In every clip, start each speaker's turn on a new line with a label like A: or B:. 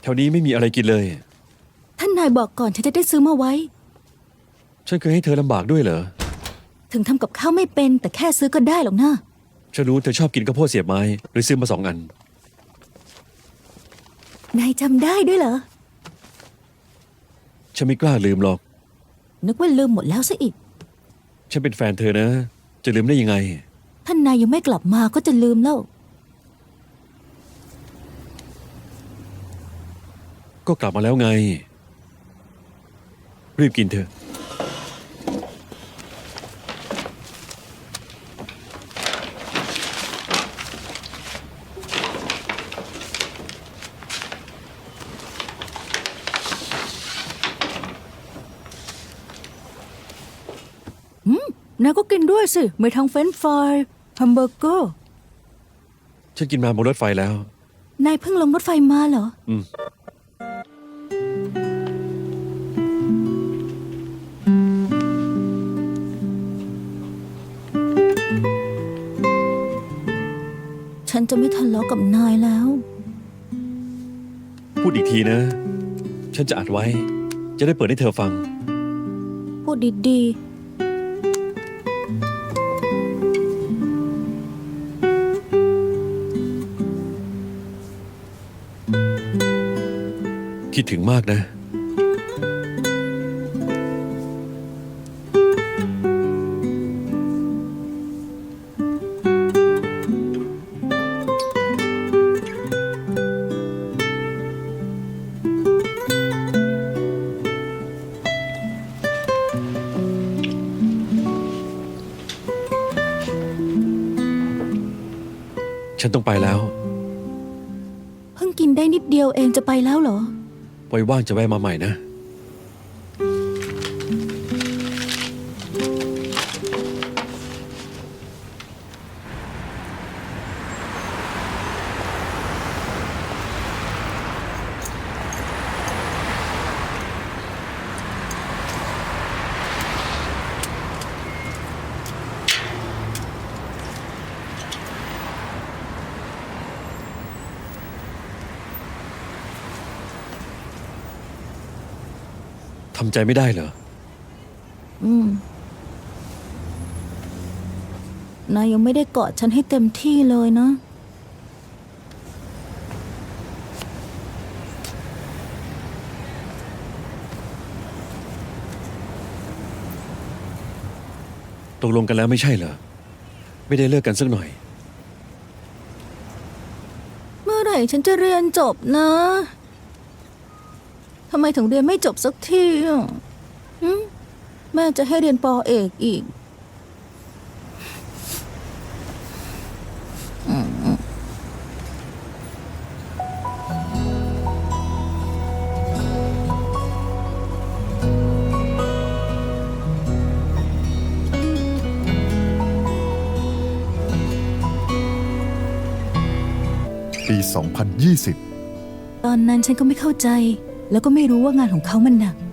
A: แถวนี้ไม่มีอะไรกินเลย
B: ท่านนายบอกก่อนฉันจะได้ซื้อมาไว้
A: ฉันเคยให้เธอลำบากด้วยเหรอ
B: ถึงทำกับข้าวไม่เป็นแต่แค่ซื้อก็ได้หรอกนะ
A: ฉันรู้เธอชอบกินข้าวโพดเสียบไม้เลยซื้อมา2 อัน
B: นายจำได้ด้วยเหรอ
A: ฉันไม่กล้าลืมหรอก
B: นึกว่าลืมหมดแล้วซะอีก
A: ฉันเป็นแฟนเธอนะ จะลืมได้ยังไง
B: ท่านนายยังไม่กลับมาก็จะลืมแล้ว
A: ก็กลับมาแล้วไง รีบกินเถอะ
B: นายก็กินด้วยสิไม่ทั้งเฟรนช์ฟรายแฮมเบอร์เกอร์
A: ฉันกินมาบนรถไฟแล้ว
B: นายเพิ่งลงรถไฟมาเหรอ ฉันจะไม่ทะเลาะกับนายแล้ว
A: พูดอีกทีนะ ฉันจะอัดไว้ จะได้เปิดให้เธอฟัง
B: พูดดี
A: คิดถึงมากนะ ฉันต้องไปแล้ว
B: ๆ เพิ่งกินได้นิดเดียวเองจะไปแล้วเหรอ
A: ไว้ว่างจะแวะมาใหม่นะ ทำใจไม่ได้เหรอ
B: นายยังไม่ได้กอดฉันให้เต็มที่เลยนะ
A: ตกลงกันแล้วไม่ใช่เหรอ ไม่ได้เลิกกันสักหน่อย
B: เมื่อไหร่ฉันจะเรียนจบนะ ทำไมถึงเรียนไม่จบสักทีอ่ะแม่จะให้เรียนป.เอกอีก
C: ปี 2020
B: ตอนนั้นฉันก็ไม่เข้าใจ แล้วก็ไม่รู้ว่างานของเขามันหนัก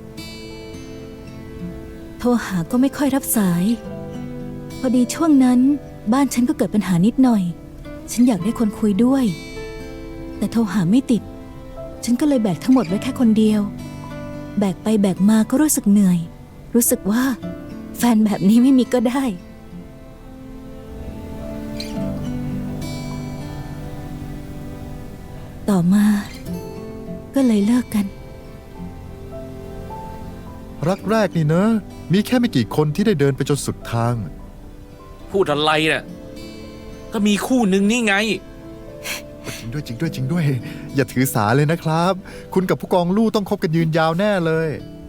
B: โทรหาก็ไม่ค่อยรับสาย พอดีช่วงนั้นบ้านฉันก็เกิดปัญหานิดหน่อย ฉันอยากได้คนคุยด้วย แต่โทรหาไม่ติด ฉันก็เลยแบกทั้งหมดไว้แค่คนเดียว แบกไปแบกมาก็รู้สึกเหนื่อย รู้สึกว่าแฟนแบบนี้ไม่มีก็ได้ ต่อมาก็เลยเลิกกัน
C: รักแรกนี่เนอะมีแค่ไม่กี่คนที่ได้เดินไปจนสุดทาง
D: พูดอะไรน่ะ ก็มีคู่หนึ่งนี่ไง
C: จริงด้วยจริงด้วยจริงด้วย อย่าถือสาเลยนะครับ คุณกับผู้กองลู่ต้องคบกันยืนยาวแน่เลย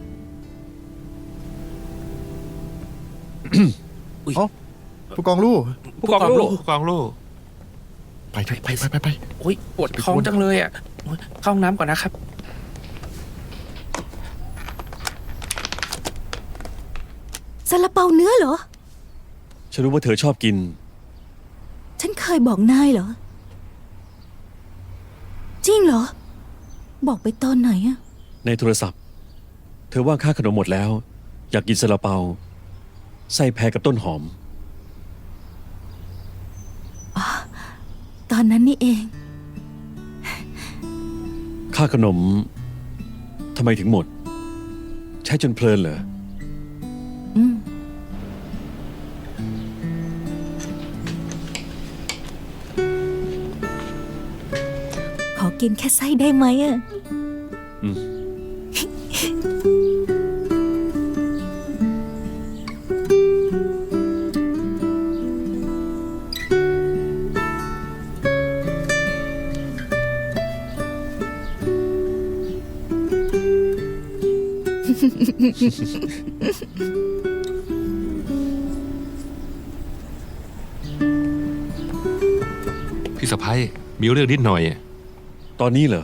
D: อุ๊ย
C: เอ้าผู้กองลู่
D: ผู้กองลูก
E: กองลูก
C: ไปเถอะไป
D: โอ๊ยปวดท้องจังเลยอ่ะโอ๊ยเข้าห้องน้ำก่อนนะครับ
B: ซาลาเปาเนื้อเหรอ
A: ฉันรู้ว่าเธอชอบกิน
B: ฉันเคยบอกนายเหรอ จริงเหรอ บอกไปตอนไหนอะ
A: ในโทรศัพท์ เธอว่าค่าขนมหมดแล้ว อยากกินซาลาเปา ไส้แพรกับต้นหอม
B: ตอนนั้นนี่เอง
A: คค่าขนมทำไมถึงหมด ใช้จนเพลินเหรอ
B: อืม ขอกินแค่ไส้ได้ไหมอะ
A: อืม
E: พี่สะพ้ยมีเรื่องนิดหน่อย
A: ตอนนี้เหรอ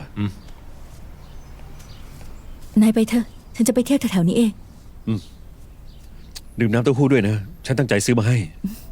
B: นายไปเถอะ ฉันจะไปเที่ยวแถวๆนี้เอง
A: ดื่มน้ำเต้าหู้ด้วยนะ ฉันตั้งใจซื้อมาให้
B: อ